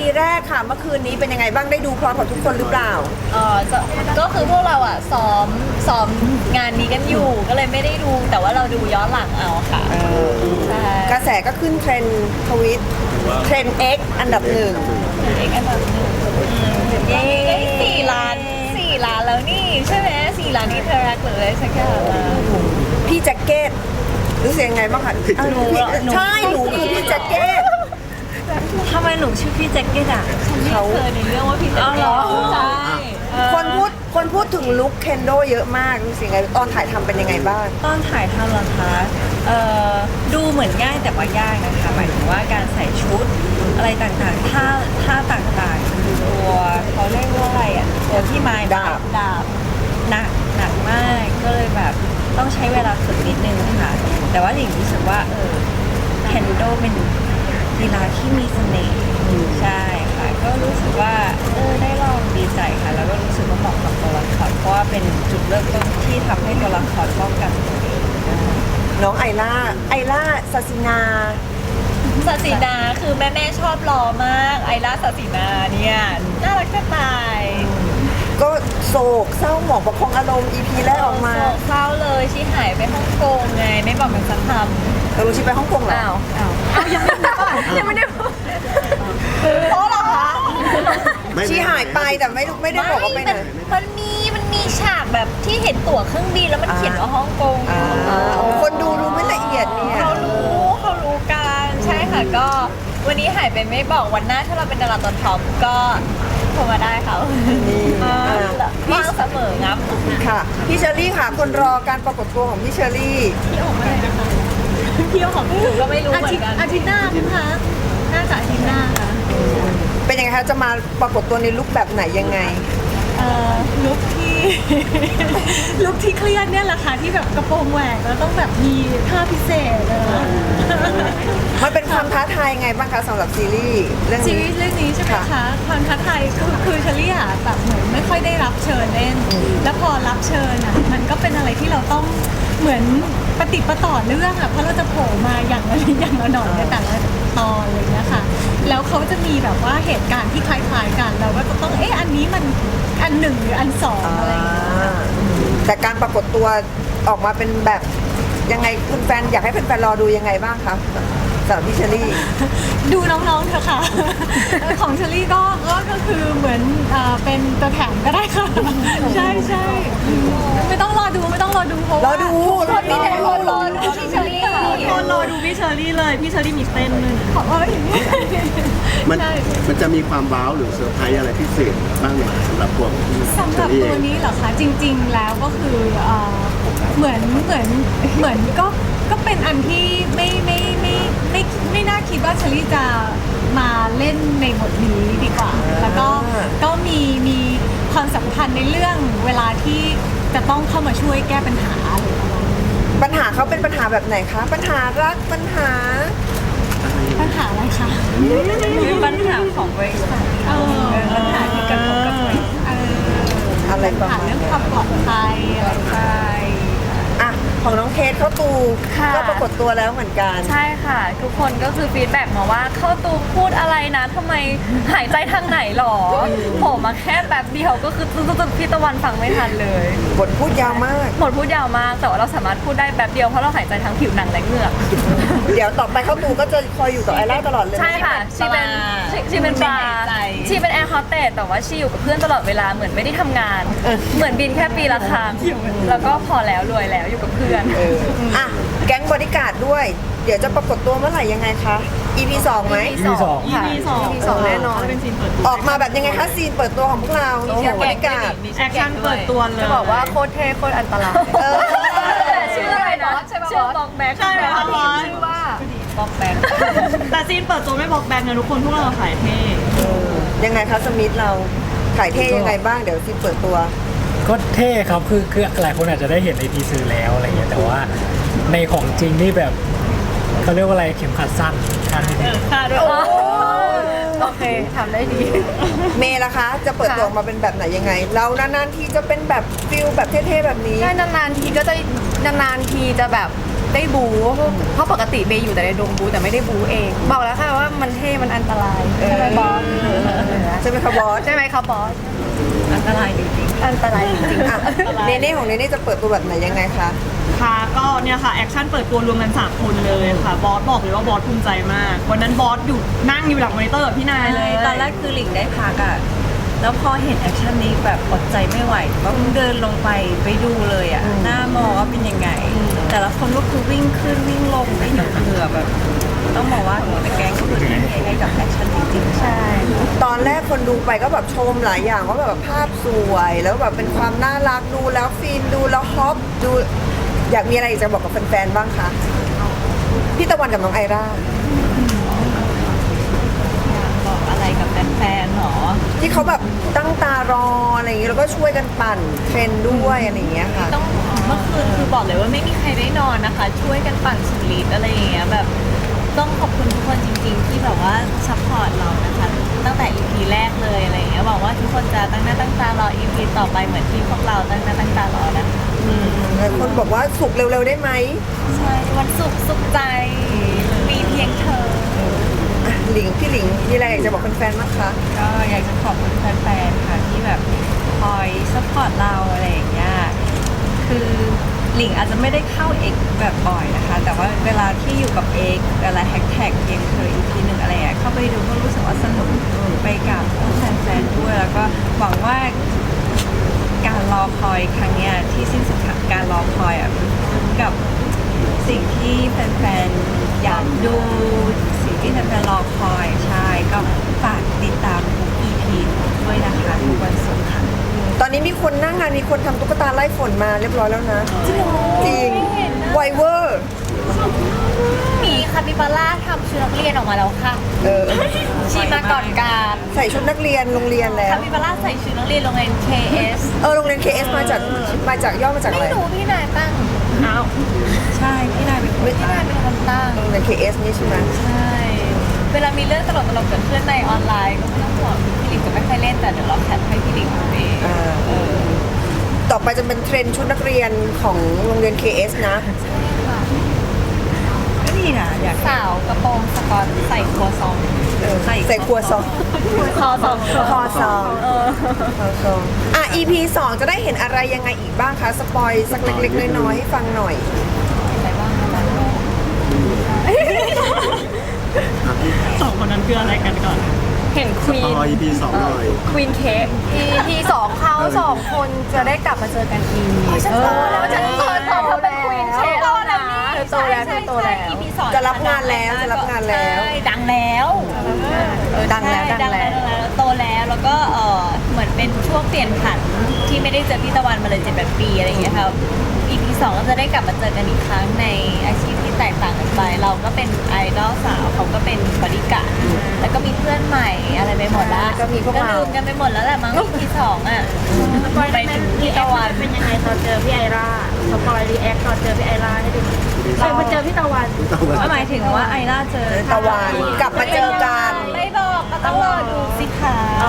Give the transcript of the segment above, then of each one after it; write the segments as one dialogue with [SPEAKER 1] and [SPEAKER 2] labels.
[SPEAKER 1] แรกค่ะเมื่อคืนนี้เป็นยังไงบ้างได้ดูพร้อมกับทุกคนหรือเปล่า
[SPEAKER 2] ก็คือพวกเราอ่ะซ้อมงานนี้กันอยู่ก็เลยไม่ได้ดูแต่ว่าเราดูย้อนหลังเอาค่ะใช่
[SPEAKER 1] กระแสก็ขึ้นเทรนด์ทวิตเทรนด์ X อันดับหนึ่ง
[SPEAKER 2] เอกอันดับหนึ่งได้4 ล้านแล้วนี่ใช่ไหม4 ล้านนี่เทอร์แรกเลยสักอย่างแล้ว
[SPEAKER 1] พี่แจ็คเก็ตรู้สึกยังไงบ้างคะ
[SPEAKER 2] หนูเหรอ
[SPEAKER 1] ใช่หนูคือพี่แจ็คเก็ต
[SPEAKER 3] ทำไมหนูชื่อพี่แจ็คเก็ตอ่ะ
[SPEAKER 2] เขาเคยในเรื่องว่าพี่เต้ใช่
[SPEAKER 1] คนพูดถึงลุคเคนโดเยอะมากรู้สึกยังไงตอนถ่ายทำเป็นยังไงบ้าง
[SPEAKER 3] ตอนถ่ายทำเหรอคะดูเหมือนง่ายแต่ว่ายากนะคะหมายถึงว่าการใส่ชุดอะไรต่างๆท่าต่างๆตัวเขาเรียกว่าอะไรอ่ะตัวที่ไม้
[SPEAKER 1] ดาบ
[SPEAKER 3] หนักมากก็เลยแบบต้องใช้เวลาฝึกนิดนึงค่ะแต่ว่าหลิงรู้สึกว่าแคนโดเป็นกีฬาที่มีเสน่ห์ใช่ค่ะก็รู้สึกว่าได้ลองดีใจค่ะแล้วก็รู้สึกว่าเหมาะกับตัวละครเพราะว่าเป็นจุดเริ่มต้นที่ทำให้ตัวละครป้องกันตัวเอง
[SPEAKER 1] น้องไอล่าซาซินา
[SPEAKER 2] ศาสินาคือแม่ชอบรอมากไอร่าศาสินาเนี่ยน่ารักจะตาย
[SPEAKER 1] ก็โศกเศร้าหมองประคองอารมณ์ EP แรกออกมา
[SPEAKER 2] โศกเศร้าเลยชีหายไปฮ่องกงไงไม่บอกกันสักค
[SPEAKER 1] เรารู้ชิไปฮ่องกง
[SPEAKER 2] ำ
[SPEAKER 1] เหรอ
[SPEAKER 2] ยังไม่ได้เพราะเหรอคะ
[SPEAKER 1] ชีหายไปแต่ไม่ได้บอกว่าไปไหน
[SPEAKER 2] มันมีฉากแบบที่เห็นตั๋วเครื่องบินแล้วมันเขียนว่าฮ่องกง
[SPEAKER 1] คนดูรู้ไม่ละเอียดเนี่ย
[SPEAKER 2] เขารู้กันใช่ค่ะก็วันนี้หายไปไม่บอกวันหน้าถ้าเราเป็นดาราตัวท็อปก็โทรมาได้ค่ะว่างเสมองับ
[SPEAKER 1] ค่ะพี่เชอรี่ค่ะคนรอการปรากฏตัวของพี่เชอรี่
[SPEAKER 2] พี่ออกมาเลยนะคะพี่ออกหนูก็ไม่รู้เหมือนกันอาทิตย์หน้าคะน่าจะอาทิตย์หน้าค่ะ
[SPEAKER 1] เป็นยังไงคะจะมาปรากฏตัวในลุคแบบไหนยังไง
[SPEAKER 4] ลุคที่ ลุคที่เครียดเนี่ยแหละค่ะที่แบบกระโปรงแหวกแล้วต้องแบบมีท่าพิเศษเลย
[SPEAKER 1] มันเป็นความท้าทายยังไงบ้างคะสำหรับซีรีส์เรื่อง
[SPEAKER 4] ซี
[SPEAKER 1] นี้
[SPEAKER 4] รีส์เรื่องนี้ใช่ไหม
[SPEAKER 1] ค่ะ
[SPEAKER 4] คะความท้าทายคือเชลี่อะแบบเหมือนไม่ค่อยได้รับเชิญเล่น แล้วพอรับเชิญอะมันก็เป็นอะไรที่เราต้องเหมือนปฏิดประต่อเรื่องอะเพราะเราจะโผล่มาอย่างละนิดอย่างละหน่อยในแต่ละตอนอะไรอย่างเงี้ยค่ะแล้วเขาจะมีแบบว่าเหตุการณ์ที่คล้ายๆกันเราก็จะต้องอันนี้มันอันหนึ่งหรืออันสองอะไรอย่างเงี้ย
[SPEAKER 1] แต่การปรากฏตัวออกมาเป็นแบบยังไงคุณแฟนอยากให้แฟนๆรอดูยังไงบ้างคะสำหรับพี่เชอรี่
[SPEAKER 4] ดูน้องๆเถอะค่ะ ของเชอรี่ก็คือเหมือนเป็นตัวแถมก็ได้ค่ะ ใช่ใช่ไม่ต้องรอดูเพราะ
[SPEAKER 1] รอ
[SPEAKER 4] ว่า
[SPEAKER 1] ดู
[SPEAKER 2] คนมีแต่คนรอดูพี่เชอรี่ค่ะ
[SPEAKER 4] คนรอดูพี่เชอรี่เลยพี่เชอรี่มีเต้นเลยขอว่าอย่างนี้
[SPEAKER 5] มันจะมีความว้าวหรือเซอร์ไพรส์อะไรพิเศษบ้างไหมสำหรับพวก
[SPEAKER 4] สำหรับตัวนี้เหรอคะจริง ๆ แล้วก็คือเหมือนก็เป็นอันที่ไม่น่าคิดว่าเชอรี่จะมาเล่นในบทนี้ดีกว่า แล้วก็มีความสำคัญในเรื่องเวลาที่จะต้องเข้ามาช่วยแก้ปัญหาอะไรประมาณนี้
[SPEAKER 1] ปัญหาเขาเป็นปัญหาแบบไหนคะปัญหารักปัญหา
[SPEAKER 4] ปัญหาอะไรคะ
[SPEAKER 3] คือปัญหาของบริษัทปัญหาที่กระทบกับบริษัท
[SPEAKER 1] อะไรประ
[SPEAKER 4] ปัญหา
[SPEAKER 1] มาณ
[SPEAKER 4] เรื่อง
[SPEAKER 1] เนี้ย
[SPEAKER 4] ความปลอดภัยอะไรอย่างเงี้ย
[SPEAKER 1] อ่ะของน้องเคสเข้าตู
[SPEAKER 6] ค่ะ
[SPEAKER 1] ก็ปรากฏตัวแล้วเหมือนกัน
[SPEAKER 6] ใช่ค่ะ ทุกคนก็คือฟีดแบ็กมาว่าเข้าตูมพูดอะไรนะทำไมหายใจทางไหนหรอโผล่มาแค่แบบเดียวก็คือตึ๊ดพี่ตะวันฟังไม่ทันเลย
[SPEAKER 1] บทพูดยาวมาก
[SPEAKER 6] หมดพูดยาวมากแต่ว่าเราสามารถพูดได้แบบเดียวเพราะเราหายใจทั้งผิวหนังและเหงือก
[SPEAKER 1] เดี๋ยวต่อไปเข้าตูก็จะคอยอยู่กับไอล่าตลอดเลย
[SPEAKER 6] ใช่ค่ะชีเป็นปลาชีเป็นแอร์โฮสเตสแต่ว่าชีอยู่กับเพื่อนตลอดเวลาเหมือนไม่ได้ทำงาน เหมือนบินแค่ปีละครั้งแล้วก็พอแล้วรวยแล้วอยู่กับเพื่อน
[SPEAKER 1] อ่ะแก๊งบริการดด้วย เดี๋ยวจะปรากฏตัวเมื่อไหร่ยังไงคะ EP 2ไหม
[SPEAKER 6] EP สองค่ะ
[SPEAKER 1] EP 2แน่นอน ออกมาแบบยังไงคะซีนเปิดตัวของพวกเราแก๊งบริการด
[SPEAKER 4] แอคชั่นเปิดตัวเลย
[SPEAKER 6] จะบอกว่าโคตรเท่โคตรอันตราย
[SPEAKER 1] เออ
[SPEAKER 6] แต่ชื่ออะไรนะชื่อบอกแบ็ค
[SPEAKER 4] ใช่ไหมคะบอส
[SPEAKER 6] ชื่อว่าบอกแบ็ค
[SPEAKER 4] แต่ซีนเปิดตัวไม่บอกแบงนะทุกคนพวกเราขายเท่
[SPEAKER 1] ยังไงคะสมิธเราถ่ายเท่ยังไงบ้างเดี๋ยวซีนเปิดตัว
[SPEAKER 7] ก็เท่ครับคือหลายคนอาจจะได้เห็นในทีซือแล้วอะไรเงี้ยแต่ว่าในของจริงนี่แบบเขาเรียกว่าอะไรเข็มขัดสั้นการนิดนึง
[SPEAKER 4] ค่ะด้วย
[SPEAKER 6] โอเคทำได้ดี
[SPEAKER 1] เมย์ล่ะคะ จะเปิดตัวออกมาเป็นแบบไหนยังไง เรานานๆทีจะเป็นแบบฟิลแบบเท่ๆแบบนี้
[SPEAKER 6] ใช่นานๆทีก็จะนานๆทีจะแบบได้บูเพราะปกติเบย์อยู่แต่ในดงบูแต่ไม่ได้บูเอง บอกแล้วค่ะว่ามันเท่มันอันตรายใช่ไหมบอส
[SPEAKER 1] ใช่ไหมคะบอส
[SPEAKER 6] ใช่ไหมครับบอส
[SPEAKER 3] อันตรายจริง
[SPEAKER 6] อันตรายจริงๆ
[SPEAKER 1] อ่ะเนเน่ของเนเน่จะเปิดตัวแบบไหนยังไงคะ
[SPEAKER 8] ค่ะก็เนี่ยค่ะแอคชั่นเปิดตัวรวมกัน3คนเลยค่ะบอสบอกเลยว่าบอสภูมิใจมากวันนั้นบอสอยู่นั่งอยู่หลังมอนิเตอร์กับพี่นายเลย
[SPEAKER 3] ตอนแรกคือหลิงได้พักอ่ะ แล้วพอเห็นแอคชั่นนี้แบบอดใจไม่ไหวก็เดินลงไปดูเลยอ่ะ หน้ามอว่าเป็นยังไง แต่ละคนก็คือวิ่งขึ้นวิ่งลงได้หนุเหงื่อแบบ ต้องบอกว่าหัวตะแกรงก็คือทุ่มเทให้กับแอคชั่นจริงๆ ใช่
[SPEAKER 1] ตอนแรกคนดูไปก็แบบชมหลายอย่างว่าแบบภาพสวยแล้วแบบเป็นความน่ารักดูแล้วฟินดูแล้วฮอปดูอยากมีอะไรอยากจะบอกกับแฟนๆบ้างคะพี่ตะวันกับน้องไอร่า
[SPEAKER 2] บอกอะไรกับแฟนๆหรอ
[SPEAKER 1] ที่เขาแบบตั้งตารออะไรอย่างเงี้ยแล้วก็ช่วยกันปั่นเทรนด์ด้วยอะไรอย่างเงี้ยค่ะ
[SPEAKER 2] ต้องเมื่อคืนคือบอกเลยว่าไม่มีใครได้นอนนะคะ ช่วยกันปั่นสุดฤทธิ์อะไรอย่างเงี้ยแบบต้องขอบคุณทุกคนจริงๆ ที่แบบว่าซัพพอร์ตเรานะคะ ตั้งแต่ EP แรกเลยอะไรอย่างเงี้ยหวังว่าทุกคนจะตั้งหน้าตั้งตารอ EP ต่อไปเหมือนที่พวกเราตั้งหน้าตั้งตารอนะคะ
[SPEAKER 1] หลายคนบอกว่าสุกเร็วๆได้ไหม
[SPEAKER 2] ใช่วันศุกร์สุขใจมีเพียงเธอ
[SPEAKER 1] อ่ะพี่หลิงมีอะไรอยากจะบอกแฟนๆบ้างคะ
[SPEAKER 3] ก็อยากจะขอบคุณแฟนๆ ค่ะที่แบบคอยซัพพอร์ตเราอะไรอย่างเงี้ย คือหลิงอาจจะไม่ได้เข้าเอกแบบบ่อยนะคะ แต่ว่าเวลาที่อยู่กับเอกเวลาแท็กเองเคยอีกทีหนึ่งอะไรอ่ะเข้าไปดูก็รู้สึกว่าสนุกไปกับแฟนๆ ด้วย แล้วก็หวังว่าการรอคอยครั้งเนี้ยที่สิ้นสุดการรอคอยอ่ะมันคุ้มกับสิ่งที่แฟนๆ อยากดูสิ่งที่แฟนๆ รอคอยใช่ก็ฝากติดตามทุก EP ด้วยนะคะทุกวันศุกร์ค่ะ
[SPEAKER 1] ตอนนี้มีคนหนั่งงานมีคนทำตุ๊กตาไล่ฝนมาเรียบร้อยแล้วนะ จริงไวเวอร์
[SPEAKER 2] มีคาปิบาร่าทำชุดนักเรียนออกมาแล้วค่ะ
[SPEAKER 1] เออ
[SPEAKER 2] ชีมาก่อนการ
[SPEAKER 1] ใส่ชุดนักเรียนโรงเรียนแล้ว
[SPEAKER 2] คาปิบาร่าใส่ชุดนักเรียนโรงเรียน KS
[SPEAKER 1] โรงเรียน KS มาจากย่อมาจากอะไร
[SPEAKER 2] ไม่รู้พี่นายตั้ง
[SPEAKER 3] ใช่พี่นายเป็นคน
[SPEAKER 2] พี่นายเป็นคนตั้ง
[SPEAKER 1] โรงเรียน KS นี่ใช่ไหม
[SPEAKER 2] ใช่ เวลามีเรื่องตลกๆเกิดขึ้นในออนไลน์ก็ไม่ต้องห่วงพี่หลิงจะไม่ค่อยเล่นแต่เดี๋ยวเราแคปให้พี่หลิงดูเอง
[SPEAKER 1] ต่อไปจะเป็นเทรนด์ชุดนักเรียนของโรงเรียน KS นะ
[SPEAKER 3] ก็ดีนะอยาก
[SPEAKER 2] สาวกระโปรงสกอตใส่ครัวซอง
[SPEAKER 1] ใส่ครัวซอง
[SPEAKER 2] คอซอง
[SPEAKER 1] คอซองคอซองEP 2 จะได้เห็นอะไรยังไงอีกบ้างคะ สปอยสักเล็กๆน้อยๆให้ฟังหน่อย
[SPEAKER 2] อะไรบ้างนะจ๊ะ
[SPEAKER 8] สองคนนั้นคืออะไรกันก่อน
[SPEAKER 6] เห็นควี
[SPEAKER 5] ต่
[SPEAKER 6] น
[SPEAKER 5] อ EP 2หน่อย
[SPEAKER 6] ควีนเค้ก EP 2เขา2 คนจะได้กลับมาเจอกันอีก
[SPEAKER 2] ฉันโตแล้วฉันโต
[SPEAKER 6] เธอเป็นควีนเค้ก
[SPEAKER 2] โตแล้วนี่
[SPEAKER 6] เธอโตแล้วเธอโตแล้ว
[SPEAKER 2] EP สอง
[SPEAKER 1] จะรับงานแล้วจะรับงานแล้ว
[SPEAKER 2] ใช่ดังแล้ว
[SPEAKER 6] ดังแล้ว
[SPEAKER 2] ใช่
[SPEAKER 6] ดังแล้ว
[SPEAKER 2] โตแล้วแล้วก็เหมือนเป็นช่วงเปลี่ยนผันที่ไม่ได้เจอพี่ตะวันมาเลย7-8 ปีอะไรอย่างเงี้ยครับ EP 2ก็จะได้กลับมาเจอกันอีกครั้งในอาชีพที่แตกต่างกันไป เราก็เป็นไอดอลสาวเขาก็เป็นบริการดแล้วก็มีเพื่อนใหม่อะไรไปหมดละ
[SPEAKER 1] ก็มีพวกเรา
[SPEAKER 2] ลืมกันไปหมดแล้วแหละมั้ง EP 2อ่ะไปถึงพี่ตะวัน
[SPEAKER 9] เป็นยังไงตอนเจอพี่ไอร่าสปอยรีแอคตอนเจอพี่ไอร่าให้ดูมาเจอพี่ตะวัน
[SPEAKER 3] หมายถึงว่าไอล่าเจอ
[SPEAKER 1] ตะวันกลับมาเจอกัน
[SPEAKER 2] ไม่บอกก็ต้องรอดูสิคะ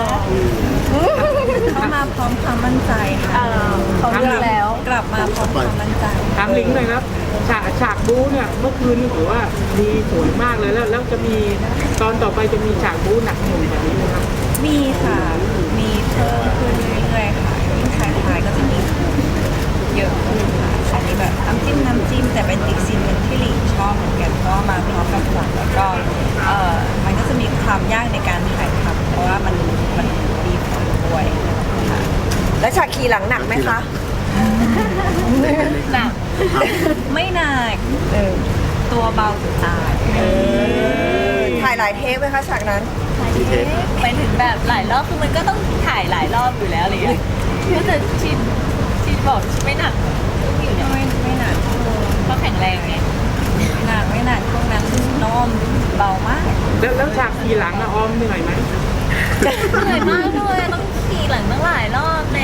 [SPEAKER 3] เขามาพร้อมความมั่นใจค่ะ
[SPEAKER 6] เขาเลือกแล้ว
[SPEAKER 3] กลับมาพร้อมความมั่นใจ
[SPEAKER 9] ถามลิงหน่อยครับฉากบู๊เนี่ยเมื่อคืนนี่ถือว่าดีสวยมากเลยแล้วจะมีตอนต่อไปจะมีฉากบู๊หนักหน่วงแบบนี้ไหมครับ
[SPEAKER 3] มีค่ะ มีเพิ่มขึ้นเรื่อยๆค่ะยิ่งท้ายๆก็จะมีเยอะขึ้นค่ะอันนี้แบบน้ำจิ้มแต่เป็นอีกซีนหนึ่งที่หลิงชอบเหมือนกันก็มาพร้อมกับฝนแล้วก็มันก็จะมีความยากในการถ่ายทำเพราะว่ามันมีฝนด้วยค่ะ
[SPEAKER 1] แล้วฉากขี่หลังหนักไหมคะ
[SPEAKER 2] หนัก
[SPEAKER 3] ไม่หนักตัวเบาสุดตาย
[SPEAKER 1] ถ่ายหลายเทปไหมคะฉากนั้น
[SPEAKER 2] ไปถึงแบบหลายรอบคือมันก็ต้องถ่ายหลายรอบอยู่แล้วอะไรอย่างเงี้ยก็จะชินบอกชินไม่หนักอยู่เนี่ย
[SPEAKER 3] ไม่หนัก
[SPEAKER 2] ก็แข็งแรงไง
[SPEAKER 3] ไม่หนักพวกนั้นน้อมเบามาก
[SPEAKER 9] แล้วฉากทีหลังอะออมเหนื่อยไหม
[SPEAKER 2] เหนื่อยมากเลยต้องขี่หลังตั้งหลายรอบแน่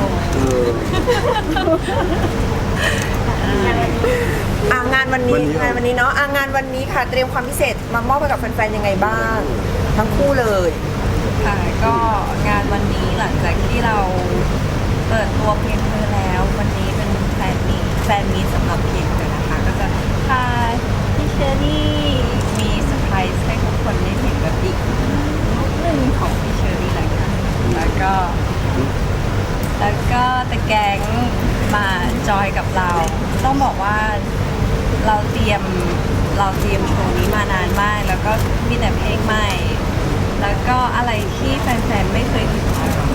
[SPEAKER 1] งานวันนี้เนาะงานวันนี้ค่ะเตรียมความพิเศษมามอบให้กับแฟนๆยังไงบ้าง ทั้งคู่เลย
[SPEAKER 3] ค่ะก็งานวันนี้หลังจากที่เราเปิดตัวเพลงเธอแล้ว วันนี้เป็นแฟนมีตสำหรับเพลงเธอนะคะ ก็จะทอยกับเรา ต้องบอกว่าเราเตรียมโชว์นี้มานานมาก แล้วก็มีแต่เพลงใหม่ แล้วก็อะไรที่แฟนๆไม่เคยเห็นมาก่อน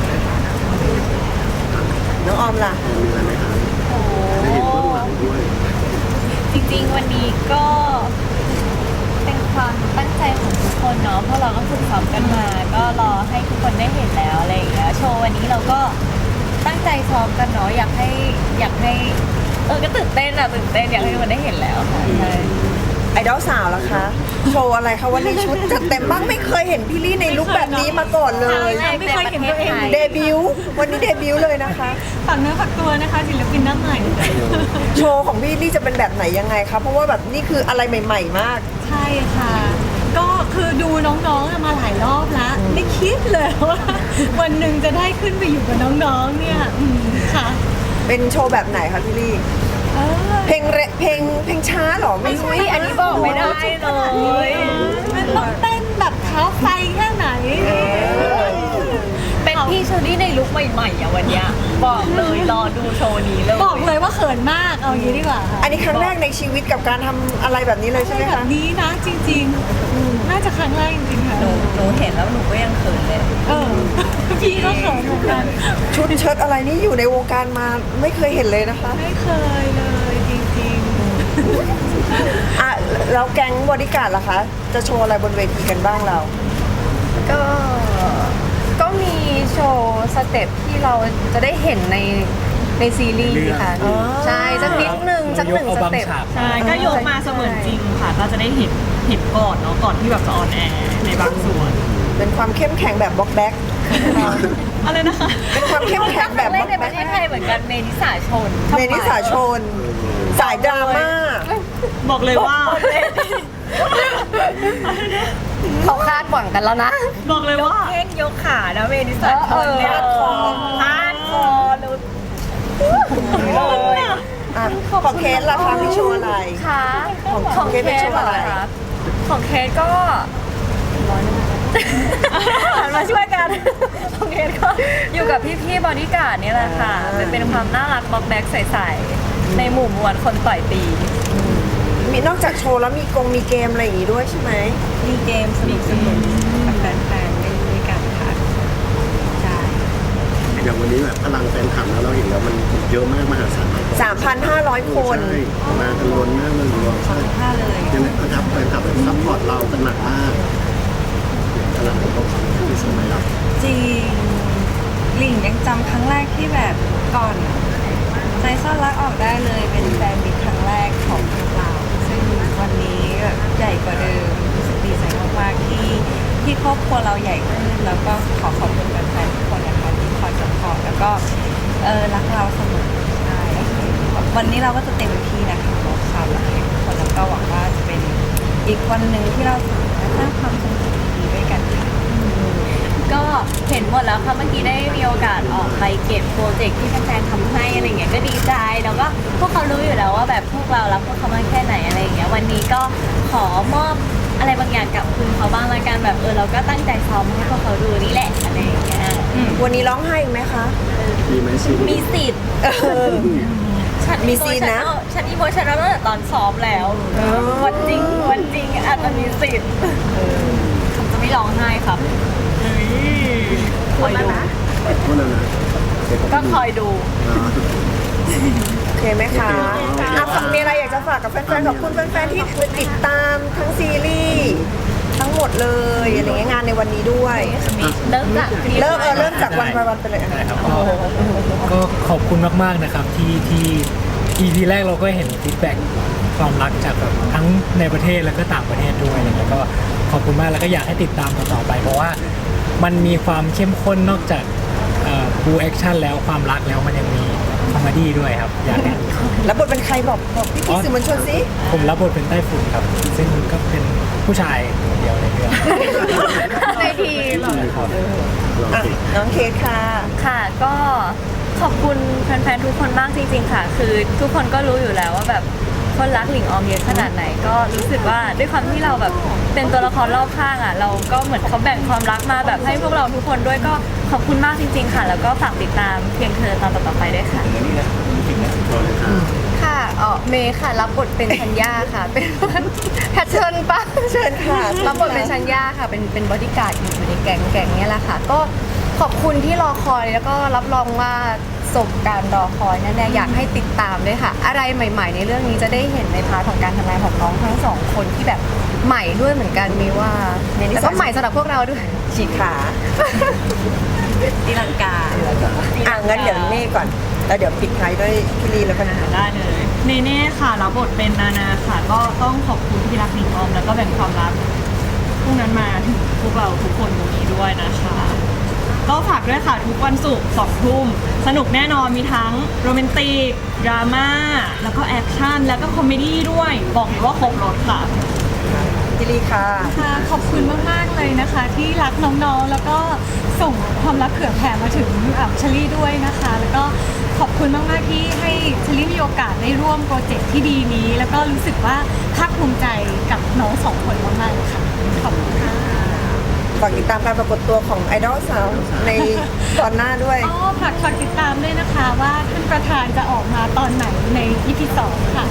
[SPEAKER 1] น้องออมล่ะ
[SPEAKER 5] มีอะไรไหมครับ
[SPEAKER 2] โอ้
[SPEAKER 5] ได้เห็นเบื้องหลังด้วย
[SPEAKER 2] จริงๆ วันนี้ก็เป็นความตั้งใจของทุกคนเนาะ เพราะเราก็ฝึกซ้อมกันมา ก็รอให้ทุกคนได้เห็นแล้วอะไรอย่างเงี้ย โชว์วันนี้เราก็ตั้งใจซ้อมกันเนาะ อยากให้ก็ตื่นเต้นอยากให้ทุกคนได้เห็นแล้วค่ะใช่
[SPEAKER 1] ไอดอลสาวล่ะคะ โชว์อะไรคะวันนี้ชุดจัดเต็มมากไม่เคยเห็นพี่ลี่ในลุคแบบนี้มาก่อนเลย
[SPEAKER 4] ไม่เคยเห็นตัวเอง
[SPEAKER 1] เดบิวต์วันนี้เดบิวต์เลยนะคะ
[SPEAKER 4] ฝากเนื้อฝากตัวนะคะศิลปินหน้าใหม่
[SPEAKER 1] โชว์ของพี่ลี่จะเป็นแบบไหนยังไงคะเพราะว่าแบบนี่คืออะไรใหม่ๆมาก
[SPEAKER 4] ใช่ค่ะ ก็คือดูน้องๆมาหลายรอบแล้ว ไม่คิดเลยว่าวันหนึ่งจะได้ขึ้นไปอยู่กับน้องๆเนี่ยค่ะ
[SPEAKER 1] เป็นโชว์แบบไหนคะพี่ลี่
[SPEAKER 4] เออ
[SPEAKER 1] เพลงช้าเหรอไม่รู้
[SPEAKER 2] อันนี้บอกไม่ได้เลย
[SPEAKER 4] มันต้องเต้นแบบเท้าไฟแค่ไหน
[SPEAKER 2] เป็นพี่เชอรี่ในลุคใหม่ๆอ่ะวันเนี้ยบอกเลยรอดูโชว์นี้เลย
[SPEAKER 4] บอกเลยว่าเขินมากเอาอย่างนี้ดีกว่าค่ะ
[SPEAKER 1] อันนี้ครั้งแรกในชีวิตกับการทำอะไรแบบนี้เลยใช่ไหม
[SPEAKER 4] แบ
[SPEAKER 1] คะ
[SPEAKER 4] บนี้นะจริงๆน่าจะครั้งแรกจริงๆค่ะ
[SPEAKER 3] หนูเห็นแล้วหนูก็ยังเขินเลย
[SPEAKER 4] เออพี่ก็เขินเหมือนกัน
[SPEAKER 1] ชุดเชิ้ตอะไรนี่อยู่ในวงการมาไม่เคยเห็นเลยนะคะ
[SPEAKER 4] ไม่เคยเลยจริง
[SPEAKER 1] อ่ะแล้วแก๊งบอดี้การ์ดล่ะคะ จะโชว์อะไรบนเวทีกันบ้างเรา
[SPEAKER 6] ก็มีโชว์สเต็ปที่เราจะได้เห็นในซีรีส์ค่ะ
[SPEAKER 1] อ๋อ
[SPEAKER 6] ใช่สักนิดนึงสักหนึ่ง
[SPEAKER 7] เอา
[SPEAKER 6] ส
[SPEAKER 7] บาง
[SPEAKER 6] เต็ป
[SPEAKER 7] ฉาก
[SPEAKER 8] ใช่ก็ยกมาเสมือนจริงค่ะ ก็จะได้เห็นก่อนเนาะก่อนที่แบบจะออนแอร์ในบางส่วน
[SPEAKER 1] เป็นความเข้มแข็งแบบบล็อกแบ็ค
[SPEAKER 8] อะไรนะคะ
[SPEAKER 1] เป็นความเข้มแข็งแบบบ
[SPEAKER 2] เล่
[SPEAKER 1] ล็
[SPEAKER 2] น
[SPEAKER 1] อก
[SPEAKER 2] ในป
[SPEAKER 1] แบ็
[SPEAKER 2] ระ
[SPEAKER 1] ค
[SPEAKER 2] เทศไทยเหมือนกันเมนิสาชน
[SPEAKER 1] เมนิสาชน สายดราม่า
[SPEAKER 8] บอกเลยว่า
[SPEAKER 6] เขาคาดหวังกันแล้วนะ
[SPEAKER 8] บอกเลยว่า
[SPEAKER 2] เพ่งยกขานะเมนิสาชนเนี่ย
[SPEAKER 1] ฮาร์ดคอร์
[SPEAKER 2] ฮาร์ดคอร์เลย
[SPEAKER 1] อ่ะของเคสล่ะคะมีโชว์อะไร
[SPEAKER 6] ค่ะ
[SPEAKER 1] ของเคสเป็นโชว์อะไร
[SPEAKER 6] เหคะของเคสก็หันมาช่วยกันของเคสก็อยู่กับพี่ๆบอดี้การ์ดนี่แหละค่ะเป็นความน่ารักบล็อกแบ็กใสๆในหมู่มวลคนต่อยตี
[SPEAKER 1] มีนอกจากโชว์แล้วมีเกมอะไรอย่างงี้ด้วยใช่ไหม
[SPEAKER 3] มีเกมสนุกกับแฟนๆด้วยกันค่ะใช่
[SPEAKER 5] อย่างวันนี้แบบพลังแฟนคลับแล้วเราเห็นแล้วมันเยอะมากมหาศาล
[SPEAKER 1] 3,500 คน
[SPEAKER 5] ใช่มากันล้นมากเลยรวมใช่
[SPEAKER 3] ท่าเลย
[SPEAKER 5] ยังไงนะครับแฟนคลับแบบซัพพอร์ตเรากันหนักมากพลังของเขาที่สมัยเรา
[SPEAKER 3] จริงหลิงยังจำครั้งแรกที่แบบก่อนใจซ่อนรักออกได้เลยเป็นแฟนมิตรครั้งแรกของพวกเราซึ่งวันนี้แบบใหญ่กว่าเดิมรู้สึกดีใจมากๆที่ครอบครัวเราใหญ่ขึ้นแล้วก็ขอขอบคุณแฟนๆทุกคนนะคะที่คอยสปอร์ตแล้วก็รักเราเสมอใช่วันนี้เราก็จะเต็มที่นะคะบอกความรักให้ทุกคนแล้วก็หวังว่าจะเป็นอีกวันหนึ่งที่เราจะสร้างความทรงจำดีๆด้วยกันค่ะ
[SPEAKER 2] ก็เห็นหมดแล้วค่ะเมื่อกี้ได้มีโอกาสออกไปเก็บโปรเจกต์ที่แฟนๆทำให้อะไรเงี้ยก็ดีใจแล้วก็พวกเขารู้อยู่แล้วว่าแบบพวกเรารักพวกเขามากแค่ไหนอะไรเงี้ยวันนี้ก็ขอมอบอะไรบางอย่างกับคุณเขาบ้างละกันแบบเราก็ตั้งใจซ้อมให้พวกเขาดูนี่แหละอะไรอย่างเงี้ย
[SPEAKER 1] วันนี้ร้องไห้อีกไหมคะ
[SPEAKER 5] มีไหมซี
[SPEAKER 2] มีสิทธิ์ ฉัน
[SPEAKER 1] มีซีนนะ
[SPEAKER 2] ฉันอีโมชันตั้งแต่ตอนซ้อมแล้ว วันจริงอาจจะมีสิทธิ์ผมจะไม่ร้องไห้ครับคอยดู
[SPEAKER 5] โทษแล้วนะ
[SPEAKER 2] ก็คอยดู
[SPEAKER 1] โอเคไหมคะอ่ะฝากมีอะไรอยากจะฝากกับแฟนๆขอบคุณแฟนๆที่ติดตามทั้งซีรีส์ทั้งหมดเลยอะไรเงี้ยงานในวันนี้ด้วย
[SPEAKER 2] เริ่มจาก
[SPEAKER 1] เริ่มจากวันไปวันไปเลย
[SPEAKER 7] ได้ครับก็ขอบคุณมากๆนะครับที่ EP แรกเราก็เห็นฟีดแบ็กความรักจากแบบทั้งในประเทศแล้วก็ต่างประเทศด้วยแล้วก็ขอบคุณมากแล้วก็อยากให้ติดตามต่อไป เพราะว่ามันมีความเข้มข้นนอกจากบูแอคชั่นแล้วความรักแล้วมันยังมีคอมเมดี้ด้วยครับอยากให้
[SPEAKER 1] แล้วบทเป็นใครบอกพี่สื่อมวลชนสิ
[SPEAKER 7] ผมรับบทเป็นไต้ฝุ่นครับ ซึ่งก็เป็นผู้ชายคนเดียวในเรื่อง
[SPEAKER 6] ในทีม
[SPEAKER 7] ครับ
[SPEAKER 1] อ่ะน้องเคสค่ะ
[SPEAKER 6] ค่ะก็ขอบคุณแฟนๆทุกคนมากจริงๆค่ะ คือทุกคนก็รู้อยู่แล้วว่าแบบคนรักหลิงออมเยอะขนาดไหนก็รู้สึกว่าด้วยความที่เราแบบเป็นตัวละครรอบข้างอ่ะเราก็เหมือนเขาแบ่งความรักมาแบบให้พวกเราทุกคนด้วยก็ขอบคุณมากจริงๆค่ะ แล้วก็ฝากติดตามเพียงเธอตอนต่อๆไปด้วยค่ะ
[SPEAKER 5] พอเลยค่ะ
[SPEAKER 6] ค่ะเมย์ค่ะ รับบทเป็นชัญญาค่ะ เป็นแพทเทิร์นปะ
[SPEAKER 1] เชิญค่ะ
[SPEAKER 6] รับบทเป็นชัญญาค่ะ เป็นบอดี้การ์ดอยู่ในแก๊งเนี่ยแหละค่ะ ก็ขอบคุณที่รอคอยแล้วก็รับรองว่าสมการรอคอยแน่ๆอยากให้ติดตามด้วยค่ะ อะไรใหม่ ๆ ในเรื่องนี้จะได้เห็นในพาร์ทของการทำงานของน้องทั้งสองคนที่แบบใหม่ด้วยเหมือนกันมีว่าแล้วก็ใหม่สำหรับพวกเราด้วย
[SPEAKER 1] ฉีกขา
[SPEAKER 3] ตีลังกา
[SPEAKER 1] งั้นเดี๋ยวเน่ก่อนแล้วเดี๋ยวปิดท้ายด้วยพี่ลีแล้วกันนะ
[SPEAKER 8] ได้เลยเนเน่ค่ะรับบทเป็นนานาค่ะ ก็ต้องขอบคุณที่รักหนิงออมแล้วก็แบ่งความรักพวกนั้นมาถึงพวกเราทุกคนตรงนี้ด้วยนะคะ ก็ฝากด้วยค่ะทุกวันศุกร์2 ทุ่มสนุกแน่นอนมีทั้งโรแมนติกดราม่าแล้วก็แอคชั่นแล้วก็คอมเมดี้ด้วยบอกเลยว่าครบรถค่ะ
[SPEAKER 1] พี่ลีค่ะ
[SPEAKER 4] ค่ะขอบคุณมาก ๆ เลยนะคะ ที่รักน้องๆ แล้วก็ส่งความรักเผื่อแผ่มาถึงเชลลี่ด้วยนะคะ แล้วก็ขอบคุณมาก ๆ ที่ให้เชลลี่มีโอกาสได้ร่วมโปรเจกต์ที่ดีนี้ แล้วก็รู้สึกว่าภาคภูมิใจกับน้องสองคนมาก ๆ เลยค่ะ ขอบคุณค่ะ
[SPEAKER 1] ฝากติดตามการปรากฏตัวของไอดอลสาวในตอนหน้าด้วย
[SPEAKER 4] อ๋อฝากติดตามด้วยนะคะว่าท่านประธานจะออกมาตอนไหนใน EP 2 ค่ะ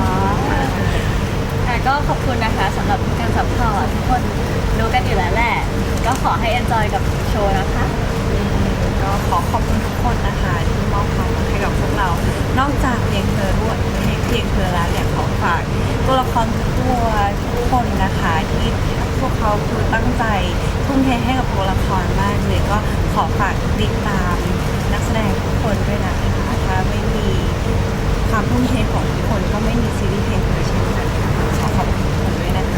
[SPEAKER 2] ค่ะก็ขอบคุณนะคะสำหรับการซัพพอร์ตทุกคนรู้กันอยู่แล้วแหละ ก็ขอให้ enjoy กับโชว์นะคะ
[SPEAKER 3] ก็ขอขอบคุณทุกคนนะคะที่มอบความรักให้กับพวกเรา นอกจากเพียงเธอด้วยเพียงเธอแล้วเนี่ยขอฝากตัวละครทุกตัวทุกคนนะคะที่พวกเขาคือตั้งใจทุ่มเทให้กับตัวละครมากเลยก็ขอฝากติดตามนักแสดงทุกคนด้วยนะคะถ้าไม่มีความทุ่มเทของทุกคนก็ไม่มีซีรีส์เพลงเธอเช่นกันค่ะขอขอบคุณทุกคนด้วยนะคะ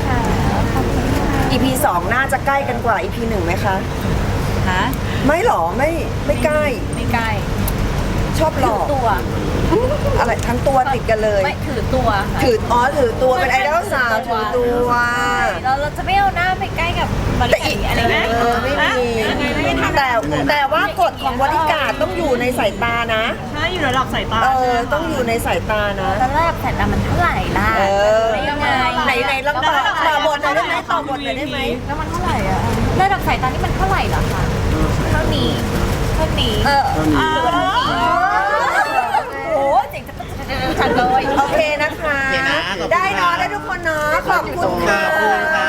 [SPEAKER 1] EP 2 น่าจะใกล้กันกว่า EP 1ไหมคะ
[SPEAKER 3] ฮะ
[SPEAKER 1] ไม่หรอไม่ใกล้
[SPEAKER 2] ไม่ใกล้
[SPEAKER 1] ชอบหลอก
[SPEAKER 2] ตัว
[SPEAKER 1] อะไรทั้งตัวติดกันเลย
[SPEAKER 2] ไม่ถือตัวค่ะ
[SPEAKER 1] ถือตัวเป็นไอดอลสาวถือตัว
[SPEAKER 2] เราจะไม่เอาหน้าไปใกล้กับบริ
[SPEAKER 1] แต่
[SPEAKER 2] การ
[SPEAKER 1] อีก
[SPEAKER 2] อะไรนะ
[SPEAKER 1] ไม่มีแต่ว่ากฎของบริการต้องอยู่ในสายตานะ
[SPEAKER 8] ใช่อยู่ระดับสายตา
[SPEAKER 1] ต้องอยู่ในสายตานะ
[SPEAKER 2] ตอนแรกแต่มันเท่าไหร่ล่ะ ไม่ยังไง
[SPEAKER 1] ไหนลองต่อบทหน่อยได้ไหมต่อบทหน่อยได้ไหม
[SPEAKER 2] แล้วมันเท่าไหร่อะระดับสายตานี่มันเท่าไหร่เหรอคะเท่านี้หรือว่าเท่านี้โอ้โหเจ๋งจังเลย
[SPEAKER 1] โอเคนะคะ
[SPEAKER 5] โอเคนะขอบคุณ
[SPEAKER 1] ได้เนาะได้ทุกคนเนาะขอบคุณค่ะ
[SPEAKER 5] ขอบคุณค่ะ